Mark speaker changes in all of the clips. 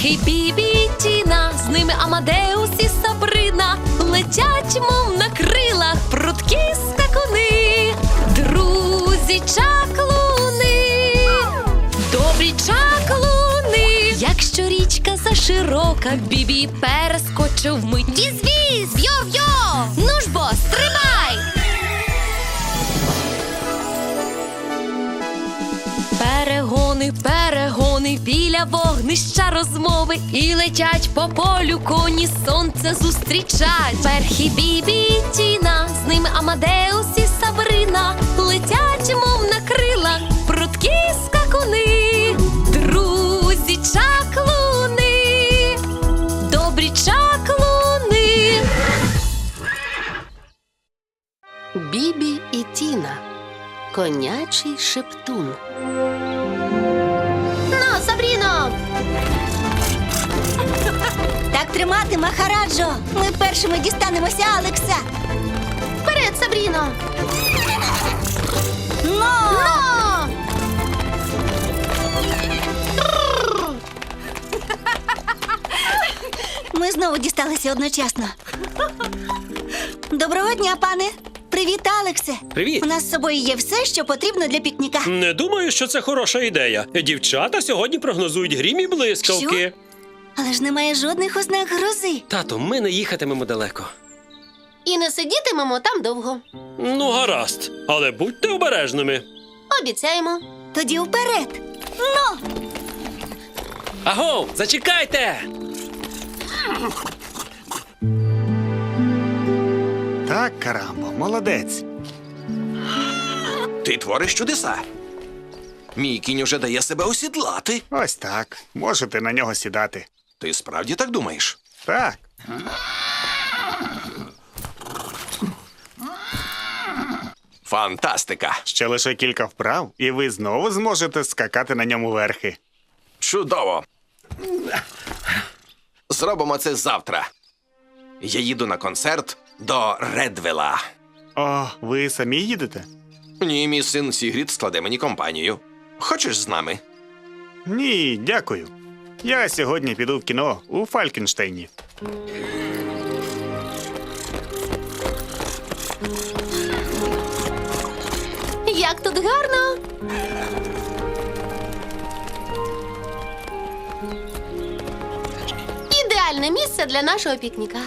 Speaker 1: Перхі, Бібі і Тіна, з ними Амадеус і Сабрина. Летять, мов на крилах, прудкі скакуни. Друзі чаклуни, добрі чаклуни. Якщо річка заширока, Бібі перескочив вмить. Віз-віз, йо-йо, ну ж бо, стрибай! Перегони, перегони, біля вогнища розмови. І летять по полю коні, сонце зустрічать. Перхі, Бібі і Тіна, з ними Амадеус і Сабрина. Летять, мов на крилах, прудкі скакуни. Друзі чаклуни, добрі чаклуни.
Speaker 2: Бібі і Тіна. Конячий шептун.
Speaker 3: Ну, Сабріно! Так тримати, Махараджо! Ми першими дістанемося Алекса! Вперед, Сабріно! Но! Ми знову дісталися одночасно. Доброго дня, пане! Привіт, Алексе!
Speaker 4: Привіт!
Speaker 3: У нас з собою є все, що потрібно для пікніка.
Speaker 4: Не думаю, що це хороша ідея. Дівчата сьогодні прогнозують грім і блискавки.
Speaker 3: Що? Але ж немає жодних ознак грози.
Speaker 4: Тато, ми не їхатимемо далеко.
Speaker 2: І не сидітимемо там довго.
Speaker 4: Ну, гаразд. Але будьте обережними.
Speaker 2: Обіцяємо.
Speaker 3: Тоді вперед! Ну!
Speaker 4: Агов, зачекайте!
Speaker 5: Так, Карамбо, молодець.
Speaker 6: Ти твориш чудеса. Мій кінь уже дає себе осідлати.
Speaker 5: Ось так. Можете на нього сідати.
Speaker 6: Ти справді так думаєш?
Speaker 5: Так.
Speaker 6: Фантастика!
Speaker 5: Ще лише кілька вправ, і ви знову зможете скакати на ньому верхи.
Speaker 6: Чудово! Зробимо це завтра. Я їду на концерт до Редвела.
Speaker 5: О, ви самі їдете?
Speaker 6: Ні, мій син Сігрід складе мені компанію. Хочеш з нами?
Speaker 5: Ні, дякую. Я сьогодні піду в кіно у Фалькенштейні.
Speaker 2: Як тут гарно! Ідеальне місце для нашого пікніка.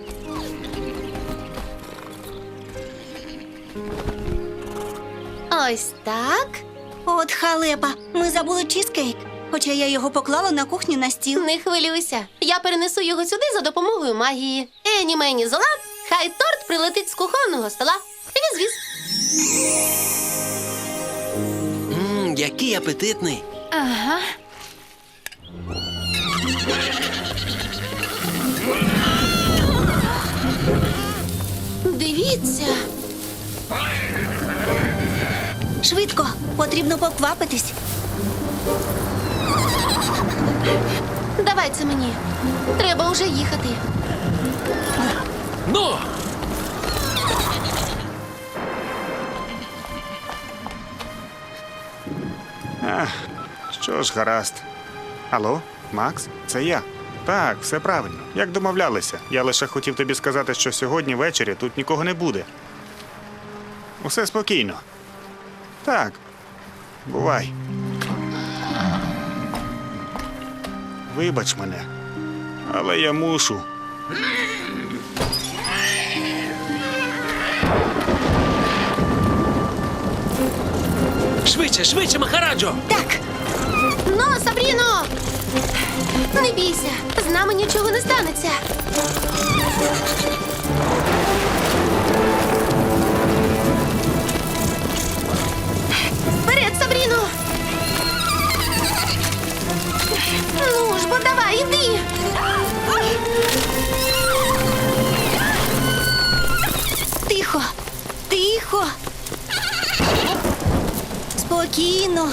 Speaker 2: Ось так.
Speaker 3: От халепа, ми забули чізкейк. Хоча я його поклала на кухні на стіл.
Speaker 2: Не хвилюйся. Я перенесу його сюди за допомогою магії. Ені мені зола, хай торт прилетить з кухонного стола. Віз-віз.
Speaker 4: Який апетитний.
Speaker 2: Ага. Дивіться.
Speaker 3: Швидко, потрібно поквапитись.
Speaker 2: Давай це мені. Треба уже їхати.
Speaker 4: Ну!
Speaker 5: Що ж, гаразд. Алло, Макс, це я. Так, все правильно. Як домовлялися. Я лише хотів тобі сказати, що сьогодні ввечері тут нікого не буде. Усе спокійно. Так. Бувай. Вибач мене. Але я мушу.
Speaker 4: Швидше, швидше, Махараджо!
Speaker 3: Так,
Speaker 2: Ну, Сабріно! Не бійся, з нами нічого не станеться. Вперед, Сабріно! Ну ж, бо давай, іди!
Speaker 3: тихо, тихо. Спокійно.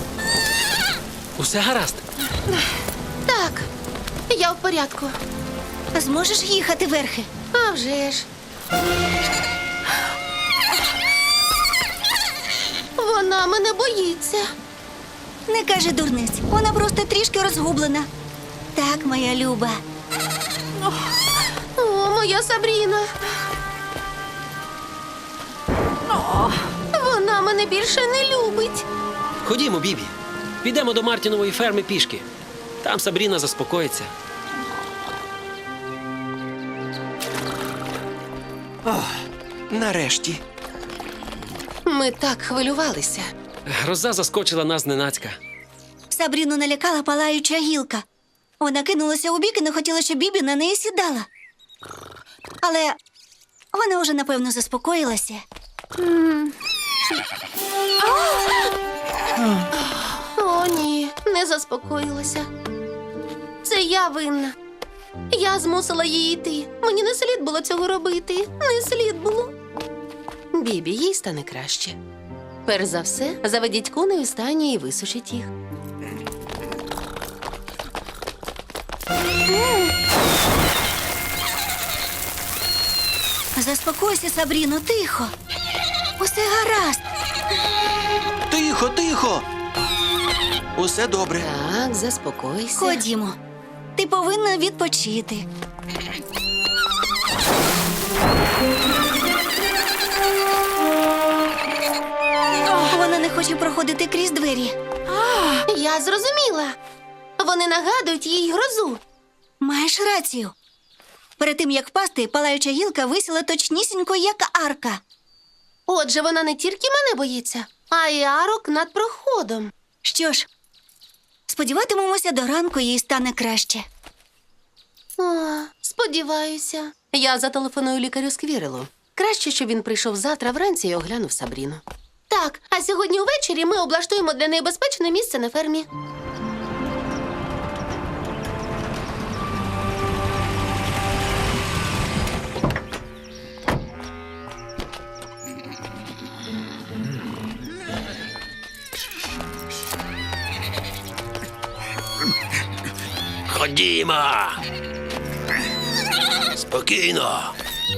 Speaker 4: Усе гаразд.
Speaker 2: Так, я в порядку.
Speaker 3: Зможеш їхати верхи?
Speaker 2: А вже ж. Вона мене боїться.
Speaker 3: Не кажи дурниць, вона просто трішки розгублена. Так, моя Люба.
Speaker 2: О, моя Сабріна. Вона мене більше не любить.
Speaker 4: Ходімо, Бібі. Підемо до Мартінової ферми пішки. Там Сабріна заспокоїться.
Speaker 6: Нарешті.
Speaker 2: Ми так хвилювалися.
Speaker 4: Гроза заскочила нас зненацька.
Speaker 3: Сабріну налякала палаюча гілка. Вона кинулася у бік і не хотіла, щоб Бібі на неї сідала. Але вона вже, напевно, заспокоїлася.
Speaker 2: О, ні, не заспокоїлася. Це я винна. Я змусила її йти. Мені не слід було цього робити. Не слід було. Бібі, їй стане краще. Перш за все, заведіть коней у стані і висушіть їх.
Speaker 3: Заспокойся, Сабріно, тихо. Усе гаразд.
Speaker 6: Тихо, тихо. Усе добре.
Speaker 2: Так, заспокойся.
Speaker 3: Ходімо. Ти повинна відпочити. Вона не хоче проходити крізь двері.
Speaker 2: Я зрозуміла. Вони нагадують їй грозу.
Speaker 3: Маєш рацію. Перед тим, як впасти, палаюча гілка висіла точнісінько, як арка.
Speaker 2: Отже, вона не тільки мене боїться, а й арок над проходом.
Speaker 3: Що ж, сподіватимемося, до ранку їй стане краще.
Speaker 2: О, сподіваюся. Я зателефоную лікарю Сквірелу. Краще, щоб він прийшов завтра вранці і оглянув Сабріну. Так, а сьогодні увечері ми облаштуємо для неї безпечне місце на фермі.
Speaker 4: Ходімо! Спокійно!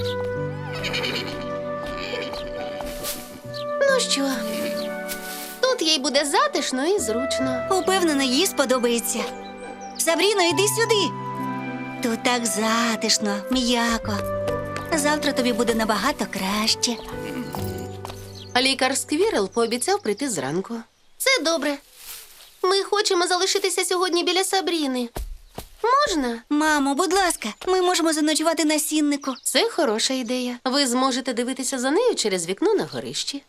Speaker 2: Ну що, тут їй буде затишно і зручно.
Speaker 3: Упевнена, їй сподобається. Сабріно, йди сюди. Тут так затишно, м'яко. Завтра тобі буде набагато краще.
Speaker 2: Лікар Сквірел пообіцяв прийти зранку. Це добре. Ми хочемо залишитися сьогодні біля Сабріни. Можна?
Speaker 3: Мамо, будь ласка, ми можемо заночувати на сіннику.
Speaker 2: Це хороша ідея. Ви зможете дивитися за нею через вікно на горищі.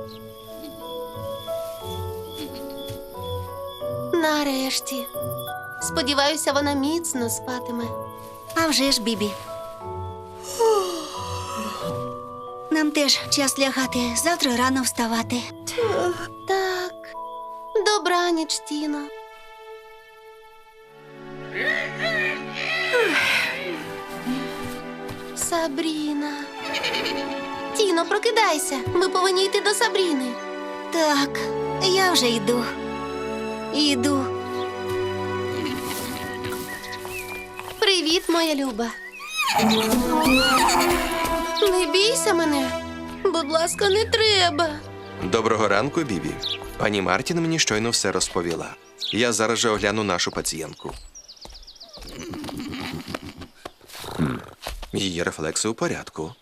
Speaker 2: Нарешті. Сподіваюся, вона міцно спатиме.
Speaker 3: А вже ж, Бібі. Нам теж час лягати, завтра рано вставати.
Speaker 2: Так. Добраніч, Тіно. Сабріна. Тіно, прокидайся. Ми повинні йти до Сабріни.
Speaker 3: Так, я вже йду. Іду.
Speaker 2: Привіт, моя Люба. Не бійся мене. Будь ласка, не треба.
Speaker 6: Доброго ранку, Бібі. Пані Мартін мені щойно все розповіла. Я зараз же огляну нашу пацієнтку. Її рефлекси у порядку.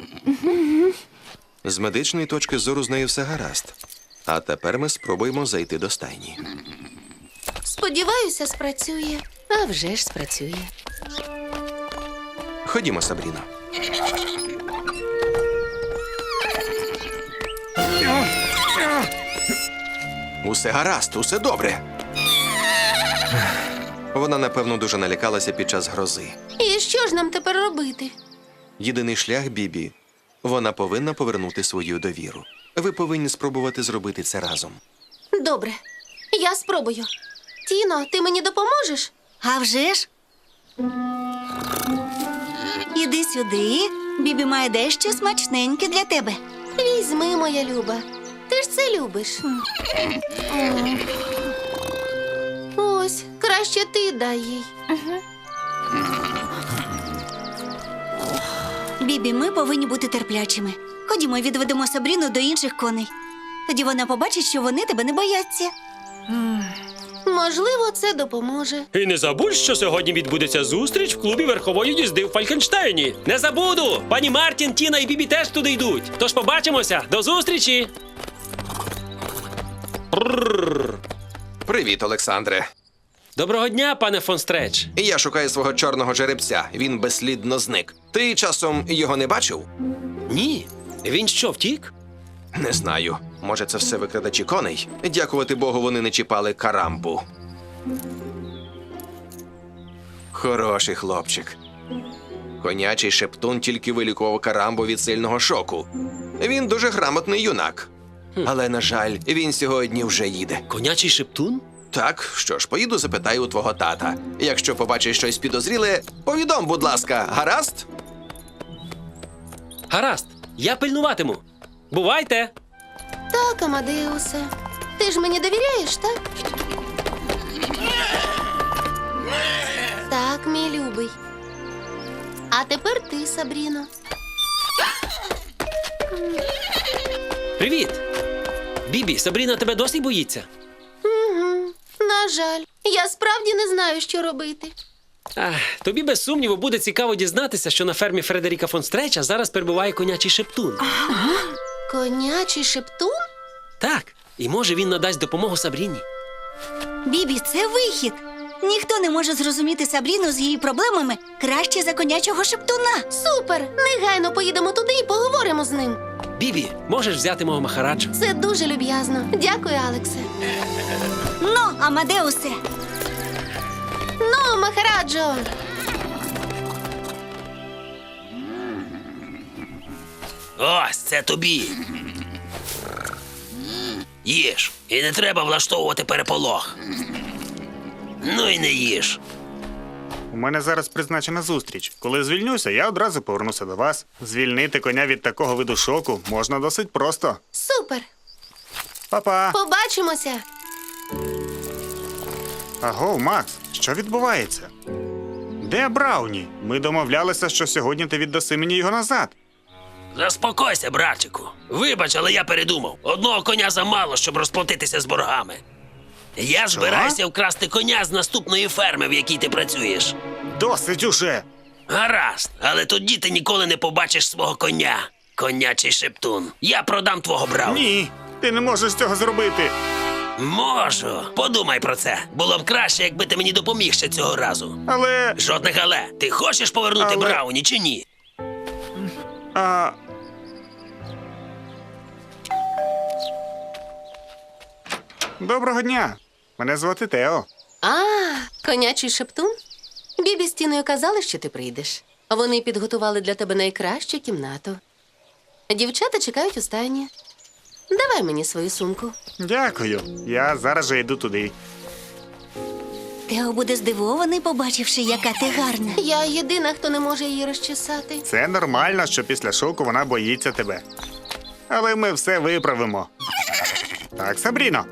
Speaker 6: З медичної точки зору з нею все гаразд. А тепер ми спробуємо зайти до стайні.
Speaker 2: Сподіваюся, спрацює. А вже ж спрацює.
Speaker 6: Ходімо, Сабріно. Усе гаразд, усе добре. Вона, напевно, дуже налякалася під час грози.
Speaker 2: І що ж нам тепер робити?
Speaker 6: Єдиний шлях, Бібі, вона повинна повернути свою довіру. Ви повинні спробувати зробити це разом.
Speaker 2: Добре, я спробую. Тіно, ти мені допоможеш?
Speaker 3: А вже ж? Іди сюди. Бібі має дещо смачненьке для тебе.
Speaker 2: Візьми, моя Люба. Ти ж це любиш. Ось, краще ти дай їй.
Speaker 3: Бібі, ми повинні бути терплячими. Ходімо, відведемо Сабріну до інших коней. Тоді вона побачить, що вони тебе не бояться.
Speaker 2: Можливо, це допоможе.
Speaker 4: І не забудь, що сьогодні відбудеться зустріч в клубі верхової їзди в Фалькенштейні. Не забуду! Пані Мартін, Тіна і Бібі теж туди йдуть. Тож побачимося. До зустрічі!
Speaker 6: Привіт, Олександре.
Speaker 4: Доброго дня, пане фон Стреч.
Speaker 6: Я шукаю свого чорного жеребця. Він безслідно зник. Ти часом його не бачив?
Speaker 4: Ні. Він що, втік?
Speaker 6: Не знаю. Може, це все викрадачі коней? Дякувати Богу, вони не чіпали карамбу. Хороший хлопчик. Конячий шептун тільки вилікував карамбу від сильного шоку. Він дуже грамотний юнак. Але, на жаль, він сьогодні вже їде.
Speaker 4: Конячий шептун?
Speaker 6: Так, що ж, поїду запитаю у твого тата. Якщо побачиш щось підозріле, повідом, будь ласка, гаразд?
Speaker 4: Гаразд, я пильнуватиму. Бувайте!
Speaker 2: Так, Амадеусе. Ти ж мені довіряєш, так? Так, мій любий. А тепер ти, Сабріно.
Speaker 4: Привіт! Бібі, Сабріна тебе досі боїться?
Speaker 2: На жаль, я справді не знаю, що робити.
Speaker 4: Тобі без сумніву буде цікаво дізнатися, що на фермі Фредеріка фон Стреча зараз перебуває конячий шептун.
Speaker 2: Конячий шептун?
Speaker 4: Так, і може він надасть допомогу Сабріні.
Speaker 3: Бібі, це вихід. Ніхто не може зрозуміти Сабріну з її проблемами краще за конячого шептуна.
Speaker 2: Супер! Негайно поїдемо туди і поговоримо з ним.
Speaker 4: Бібі, можеш взяти мого Махараджу?
Speaker 2: Це дуже люб'язно. Дякую, Алексе.
Speaker 3: Ну, Амадеусе,
Speaker 2: Ну, Махараджо!
Speaker 7: Ось це тобі. Їж. І не треба влаштовувати переполох. Ну і не їж.
Speaker 5: У мене зараз призначена зустріч. Коли звільнюся, я одразу повернуся до вас. Звільнити коня від такого виду шоку можна досить просто.
Speaker 2: Супер!
Speaker 5: Па-па!
Speaker 2: Побачимося!
Speaker 5: Аго, Макс, що відбувається? Де Брауні? Ми домовлялися, що сьогодні ти віддаси мені його назад.
Speaker 7: Заспокойся, братчику. Вибач, але я передумав. Одного коня замало, щоб розплатитися з боргами. Я збираюся вкрасти коня з наступної ферми, в якій ти працюєш.
Speaker 5: Досить уже!
Speaker 7: Гаразд, але тоді ти ніколи не побачиш свого коня. Конячий шептун. Я продам твого Брауні.
Speaker 5: Ні, ти не можеш цього зробити.
Speaker 7: Можу. Подумай про це. Було б краще, якби ти мені допоміг ще цього разу.
Speaker 5: Але.
Speaker 7: Жодних але. Ти хочеш повернути
Speaker 5: Але-
Speaker 7: Брауні чи ні?
Speaker 5: А... Доброго дня. Мене звати Тео.
Speaker 2: Конячий шептун? Бібі з Тіною казали, що ти прийдеш. Вони підготували для тебе найкращу кімнату. Дівчата чекають у стайні. Давай мені свою сумку.
Speaker 5: Дякую. Я зараз же йду туди.
Speaker 3: Тео буде здивований, побачивши, яка ти гарна.
Speaker 2: Я єдина, хто не може її розчесати.
Speaker 5: Це нормально, що після шоку вона боїться тебе. Але ми все виправимо. Так, Сабріно.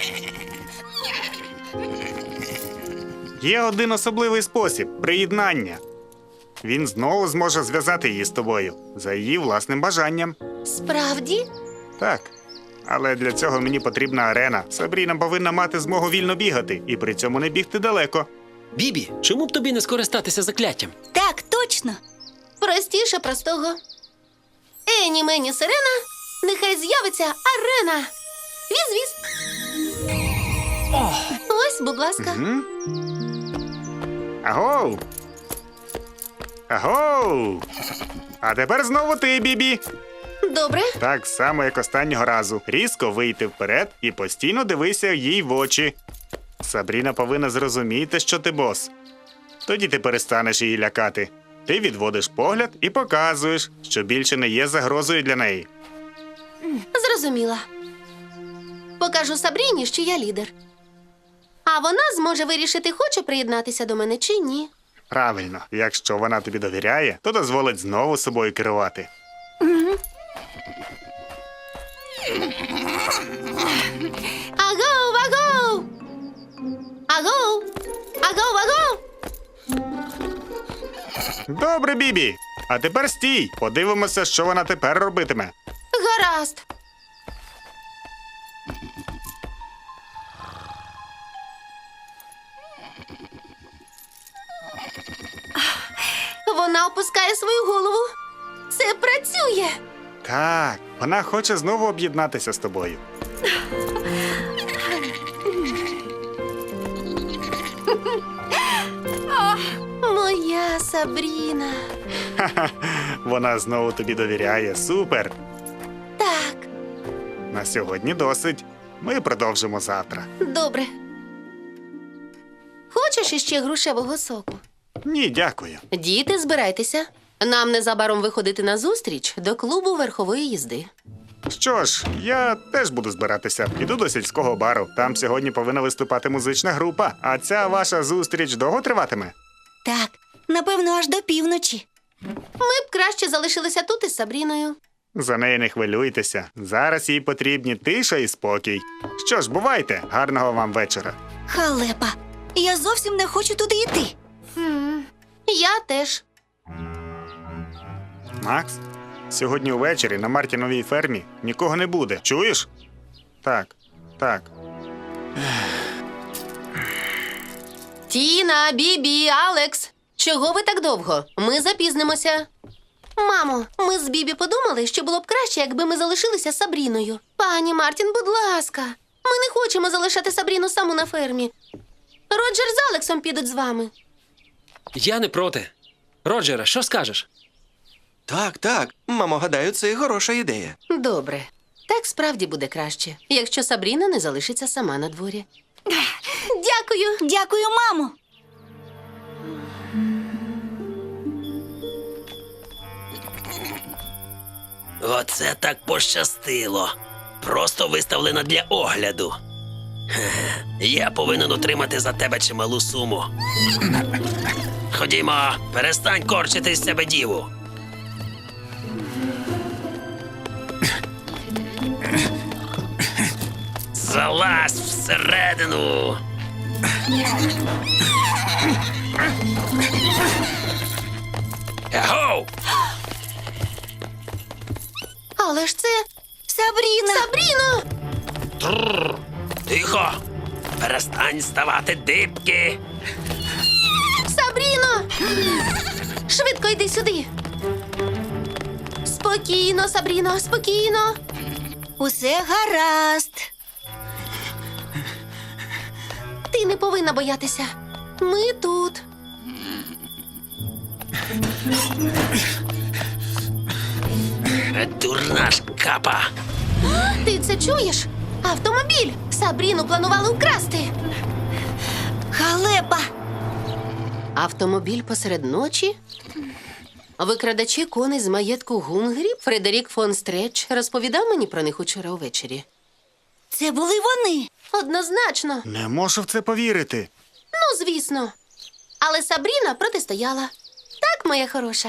Speaker 5: Є один особливий спосіб приєднання. Він знову зможе зв'язати її з тобою за її власним бажанням.
Speaker 2: Справді?
Speaker 5: Так. Але для цього мені потрібна арена. Сабріна повинна мати змогу вільно бігати і при цьому не бігти далеко.
Speaker 4: Бібі, чому б тобі не скористатися закляттям?
Speaker 3: Так, точно.
Speaker 2: Простіше простого. Ені мені сирена, нехай з'явиться арена. Віз-віз. Ось, будь ласка.
Speaker 5: Агоу! Агоу! А тепер знову ти, Бібі.
Speaker 2: Добре.
Speaker 5: Так само, як останнього разу. Різко вийти вперед і постійно дивися їй в очі. Сабріна повинна зрозуміти, що ти бос. Тоді ти перестанеш її лякати. Ти відводиш погляд і показуєш, що більше не є загрозою для неї.
Speaker 2: Зрозуміла. Покажу Сабріні, що я лідер. А вона зможе вирішити, хоче приєднатися до мене чи ні.
Speaker 5: Правильно, якщо вона тобі довіряє, то дозволить знову собою керувати.
Speaker 2: Агоу, агоу! Агоу! Агоу, агоу!
Speaker 5: Добре, Бібі. А тепер стій. Подивимося, що вона тепер робитиме.
Speaker 2: Вона опускає свою голову. Це працює.
Speaker 5: Так, вона хоче знову об'єднатися з тобою.
Speaker 2: Моя Сабріна.
Speaker 5: Вона знову тобі довіряє. Супер!
Speaker 2: Так,
Speaker 5: На сьогодні досить. Ми продовжимо завтра.
Speaker 2: добре. Хочеш іще грушевого соку?
Speaker 5: Ні, дякую.
Speaker 2: Діти, збирайтеся. Нам незабаром виходити на зустріч до клубу верхової їзди.
Speaker 5: Що ж, я теж буду збиратися. Піду до сільського бару. Там сьогодні повинна виступати музична група. А ця ваша зустріч довго триватиме?
Speaker 3: Так, напевно, аж до півночі.
Speaker 2: Ми б краще залишилися тут із Сабріною.
Speaker 5: За неї не хвилюйтеся. Зараз їй потрібні тиша і спокій. Що ж, бувайте. Гарного вам вечора.
Speaker 3: Халепа, я зовсім не хочу туди йти.
Speaker 2: Я теж.
Speaker 5: Макс, сьогодні увечері на Мартіновій фермі нікого не буде. Чуєш? Так, так.
Speaker 2: Тіна, Бібі, Алекс. Чого ви так довго? Ми запізнимося. Мамо, ми з Бібі подумали, що було б краще, якби ми залишилися з Сабріною. Пані Мартін, будь ласка. Ми не хочемо залишати Сабріну саму на фермі. Роджер з Алексом підуть з вами.
Speaker 4: Я не проти. Роджере, що скажеш?
Speaker 6: Так, так. Мамо, гадаю, це хороша ідея.
Speaker 2: Добре. Так справді буде краще, якщо Сабріна не залишиться сама на дворі. Дякую.
Speaker 3: Дякую, мамо.
Speaker 7: Оце так пощастило. Просто виставлена для огляду. Хе-хе. Я повинен отримати за тебе чималу суму. Ходімо, перестань корчити з себе діву. Залазь всередину. Егоу!
Speaker 2: Але ж це
Speaker 3: Сабріна!
Speaker 2: Сабріно!
Speaker 7: Тихо! Перестань ставати дибки!
Speaker 2: Сабріно! Швидко йди сюди. Спокійно, Сабріно, спокійно.
Speaker 3: Усе гаразд.
Speaker 2: Ти не повинна боятися. Ми тут.
Speaker 7: Дурна шкапа!
Speaker 2: Ти це чуєш? Автомобіль! Сабріну планували вкрасти.
Speaker 3: Халепа!
Speaker 2: Автомобіль посеред ночі? Викрадачі коней з маєтку Гунгрі Фредерік фон Стретч розповідав мені про них учора увечері.
Speaker 3: Це були вони.
Speaker 2: Однозначно.
Speaker 5: Не можу в це повірити.
Speaker 2: Ну, звісно. Але Сабріна протистояла. Так, моя хороша.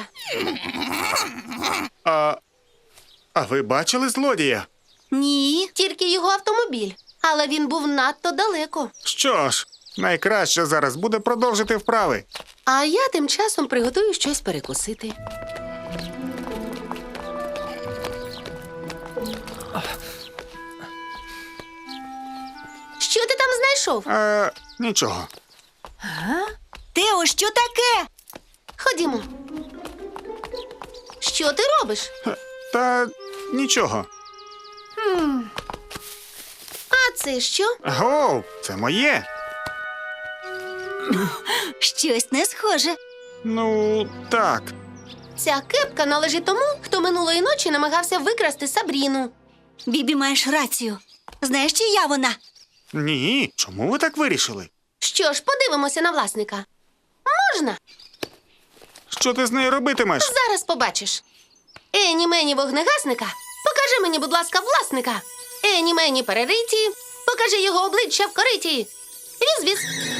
Speaker 5: А ви бачили злодія?
Speaker 3: Ні.
Speaker 2: Тільки його автомобіль. Але він був надто далеко.
Speaker 5: Що ж, найкраще зараз буде продовжити вправи.
Speaker 2: А я тим часом приготую щось перекусити. Що ти там знайшов?
Speaker 5: Нічого.
Speaker 3: Тео, що таке?
Speaker 2: Ходімо. Що ти робиш?
Speaker 5: Та нічого.
Speaker 2: А це що?
Speaker 5: Гоу, це моє.
Speaker 3: Щось не схоже.
Speaker 5: Ну, так.
Speaker 2: Ця кепка належить тому, хто минулої ночі намагався викрасти Сабріну.
Speaker 3: Бібі, маєш рацію. Знаєш, чия вона?
Speaker 5: Ні, чому ви так вирішили?
Speaker 2: Що ж, подивимося на власника. Можна?
Speaker 5: Що ти з нею робитимеш?
Speaker 2: Зараз побачиш. Ені мені вогнегасника. Покажи мені, будь ласка, власника. Ені мені перериті. Покажи його обличчя в кориті. Віз-віз.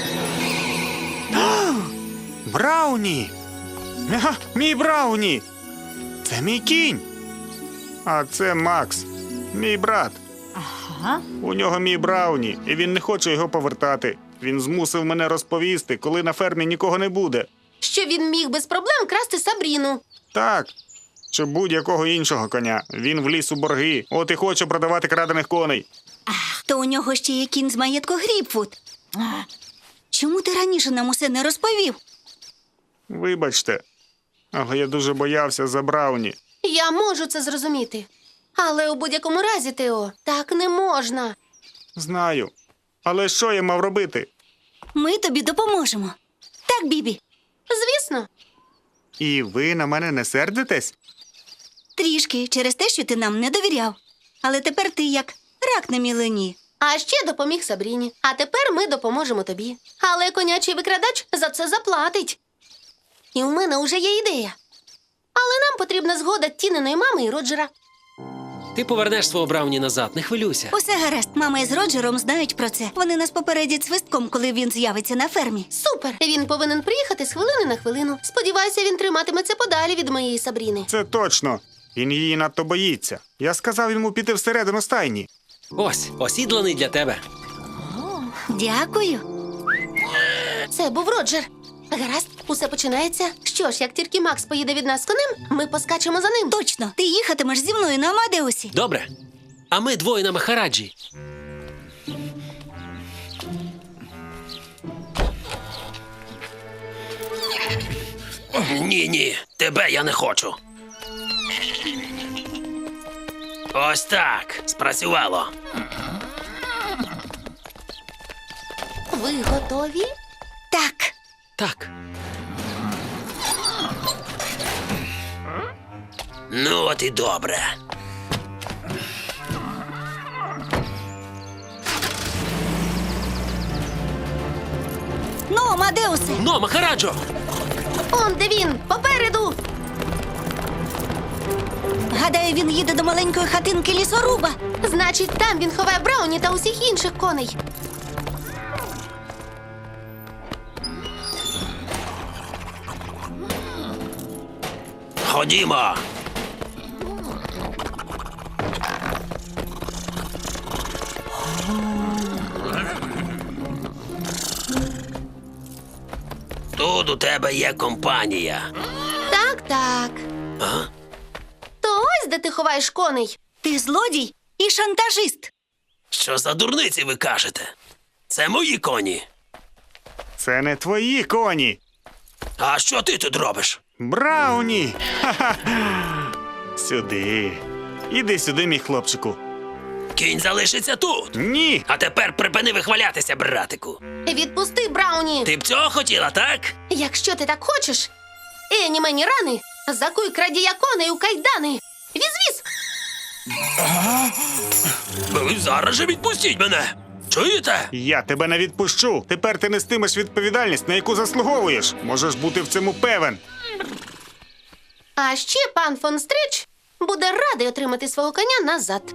Speaker 5: Брауні! Ага, мій Брауні! Це мій кінь. А це Макс, мій брат.
Speaker 3: Ага.
Speaker 5: У нього мій Брауні, і він не хоче його повертати. Він змусив мене розповісти, коли на фермі нікого не буде.
Speaker 2: Що він міг без проблем красти Сабріну.
Speaker 5: Так, чи будь-якого іншого коня. Він вліз у борги, от і хоче продавати крадених коней.
Speaker 3: То у нього ще є кінь з маєтку Гріпфуд. Чому ти раніше нам усе не розповів?
Speaker 5: Вибачте, Але я дуже боявся за Брауні.
Speaker 2: Я можу це зрозуміти. Але у будь-якому разі, Тео, так не можна.
Speaker 5: Знаю. Але що я мав робити?
Speaker 3: Ми тобі допоможемо. Так, Бібі?
Speaker 2: Звісно.
Speaker 5: І ви на мене не сердитесь?
Speaker 3: Трішки через те, що ти нам не довіряв. Але тепер ти як рак на мілені.
Speaker 2: А ще допоміг Сабріні. А тепер ми допоможемо тобі. Але конячий викрадач за це заплатить. І у мене уже є ідея. Але нам потрібна згода Тіниної мами і Роджера.
Speaker 4: Ти повернеш свого Брауні назад, не хвилюйся.
Speaker 3: Усе гаразд, мама із Роджером знають про це. Вони нас попередять свистком, коли він з'явиться на фермі.
Speaker 2: Супер! Він повинен приїхати з хвилини на хвилину. Сподіваюся, він триматиметься подалі від моєї Сабріни.
Speaker 5: Це точно. Він її надто боїться. Я сказав йому піти всередину стайні.
Speaker 4: Ось, осідланий для тебе.
Speaker 3: Дякую.
Speaker 2: Це був Роджер. Гаразд, усе починається. Що ж, як тільки Макс поїде від нас з конем, ми поскачемо за ним.
Speaker 3: Точно, ти їхатимеш зі мною на Амадеусі.
Speaker 4: Добре. А ми двоє на Махараджі.
Speaker 7: Ні, тебе я не хочу. Ось так. Спрацювало.
Speaker 2: Ви готові?
Speaker 3: Так.
Speaker 4: Так.
Speaker 7: Ну, от і добре.
Speaker 3: Ну, Амадеусе.
Speaker 4: Но, Махараджо!
Speaker 2: Он де він, попереду.
Speaker 3: Гадаю, він їде до маленької хатинки лісоруба.
Speaker 2: Значить, там він ховає Брауні та усіх інших коней.
Speaker 7: Ходімо. Тут у тебе є компанія.
Speaker 2: Так, так.
Speaker 7: А?
Speaker 2: То ось де ти ховаєш коней.
Speaker 3: Ти злодій і шантажист.
Speaker 7: Що за дурниці ви кажете? Це мої коні.
Speaker 5: Це не твої коні.
Speaker 7: А що ти тут робиш?
Speaker 5: Брауні! Ха-ха! Сюди. Іди сюди, мій хлопчику.
Speaker 7: Кінь залишиться тут.
Speaker 5: Ні!
Speaker 7: А тепер припини вихвалятися, братику.
Speaker 2: Відпусти Брауні.
Speaker 7: Ти б цього хотіла, так?
Speaker 2: Якщо ти так хочеш. Ені мені рани, закуй крадія коней у кайдани. Віз-віз!
Speaker 7: Ви зараз же відпустіть мене. Чуєте?
Speaker 5: Я тебе не відпущу. Тепер ти нестимеш відповідальність, на яку заслуговуєш. Можеш бути в цьому певен.
Speaker 2: А ще пан фон Стрич буде радий отримати свого коня назад.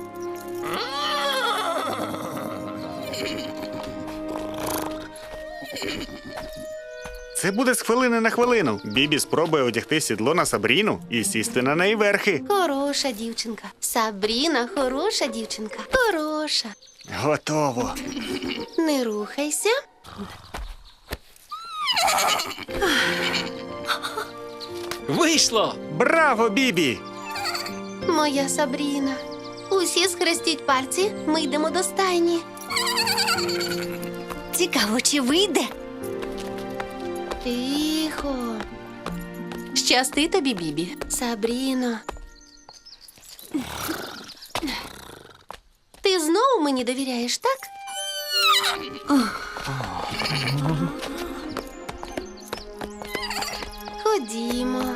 Speaker 5: Це буде з хвилини на хвилину. Бібі спробує одягти сідло на Сабріну і сісти на неї верхи.
Speaker 2: Хороша дівчинка. Сабріна, хороша дівчинка. Хороша.
Speaker 5: Готово.
Speaker 2: Не рухайся.
Speaker 4: Вийшло!
Speaker 5: Браво, Бібі!
Speaker 2: Моя Сабріна. Усі схрестіть пальці, ми йдемо до стайні.
Speaker 3: Цікаво, чи вийде?
Speaker 2: Тихо. Щасти тобі, Бібі. Сабріно. Ти знову мені довіряєш, так? Ходімо.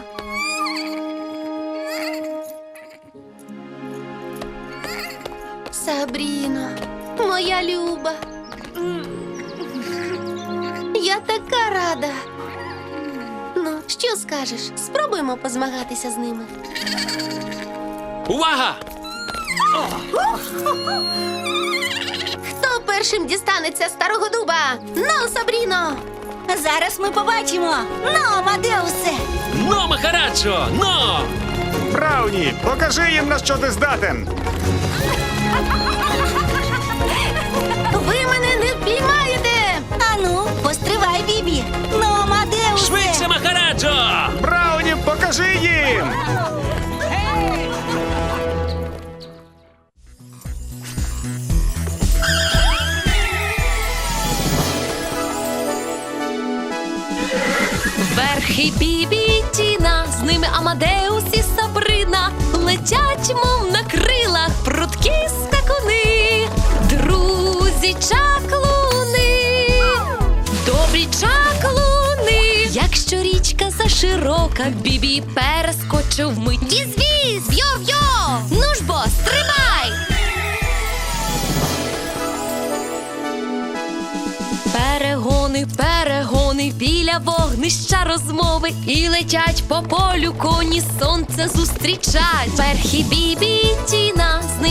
Speaker 2: Сабріно, моя люба. Я така рада. Ну, що скажеш? Спробуємо позмагатися з ними.
Speaker 4: Увага!
Speaker 2: Хто першим дістанеться старого дуба? Ну, Сабріно!
Speaker 3: Зараз ми побачимо. Ну, Амадеусе!
Speaker 4: Но, Махараджо! Но!
Speaker 5: Брауні, покажи їм, на що ти здатен.
Speaker 2: Ви мене не впіймаєте!
Speaker 3: Ану, постривай, Бібі. Ну, Амадеусе!
Speaker 4: Швидше, Махараджо!
Speaker 5: Брауні, покажи їм!
Speaker 1: Верхи Бібі і Тіна Амадеус і Сабрина летять, мов на крилах, прудкі скакуни, друзі чаклуни, добрі чаклуни. Якщо річка заширока, Бібі перескочив вмить. Віз-віз, йо-йо, ну ж бо, стрибай! Перегони, перегони, біля вогнища розмови, і летять по полю коні, сонце зустрічать. Перхі Бібі і Тіна з